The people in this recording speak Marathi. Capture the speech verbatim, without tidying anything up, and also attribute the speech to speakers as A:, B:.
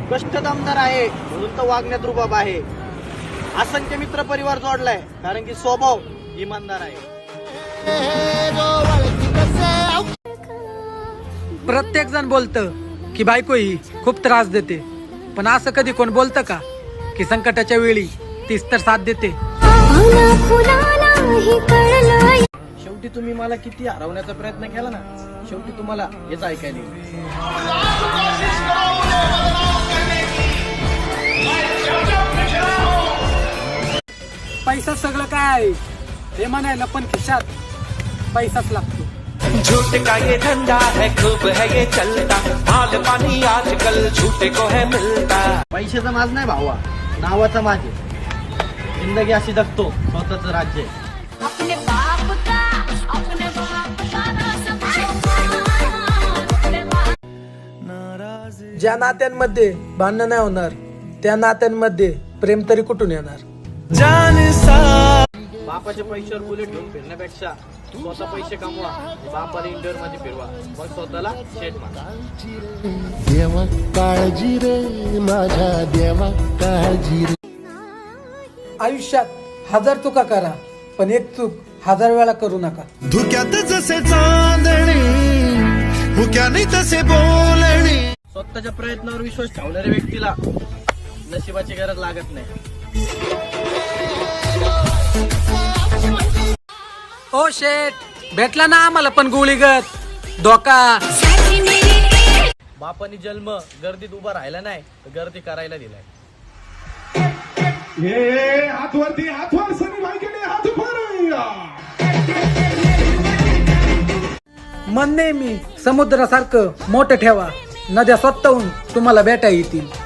A: कष्ट दमदार आहे म्हणून तर वागण्यात रुबाब आहे. असंख्य मित्र परिवार जोडलाय कारण की स्वभाव इमानदार आहे.
B: प्रत्येक जण बोलतं की बायको ही खूप त्रास देते, पण असं कधी कोण बोलतं का की संकटाच्या वेळी तीच तर साथ देते.
A: शेवटी तुम्ही मला किती हरवण्याचा प्रयत्न केला ना, शेवटी तुम्हाला हेच ऐकायला येईल.
B: पैसा सगळं काय आहे हे म्हणायला पण खिशात पैसाच लागतो.
C: झूठ का ये धंधा है, खूब है ये चलता, माल पानी आजकल झूठे को है मिलता.
A: पैशाचा माज नाही भावा, नावाचा माज आहे. जिंदगी अशी जगतो स्वतःच राज्य आहे.
B: ज्या नात्यांमध्ये भांडण नाही होणार त्या नात्यांमध्ये प्रेम तरी कुठून येणार.
A: बापाच्या पैशावर बुलेट घेऊन फिरण्यापेक्षा स्वतः पैसे कमवा, बापाला इंडोर मध्ये फिरवा, मग स्वतःला शेट मारा.
D: देवा काळजी रे माझ्या देवा काळजी रे.
B: आयुष्यात हजार चुका करा पण एक चूक हजार वेळा करू नका.
D: धुक्यात जसे चांदणी भुक्याने तसे बोलणी.
A: स्वतःच्या प्रयत्नावर विश्वास ठेवणाऱ्या व्यक्तीला नशिबाची गरज लागत नाही.
B: ओ शेट, भेटला ना आम्हाला पण गोळीगत धोका.
A: बापानी जन्म गर्दीत उभा राहिला नाही तर गर्दी करायला दिलाय.
E: हे हातवरती हातवर सनी भाई केले हात वर.
B: मन नेहमी समुद्रासारखं मोठं ठेवा, नद्या स्वतःहून तुम्हाला भेटा येतील.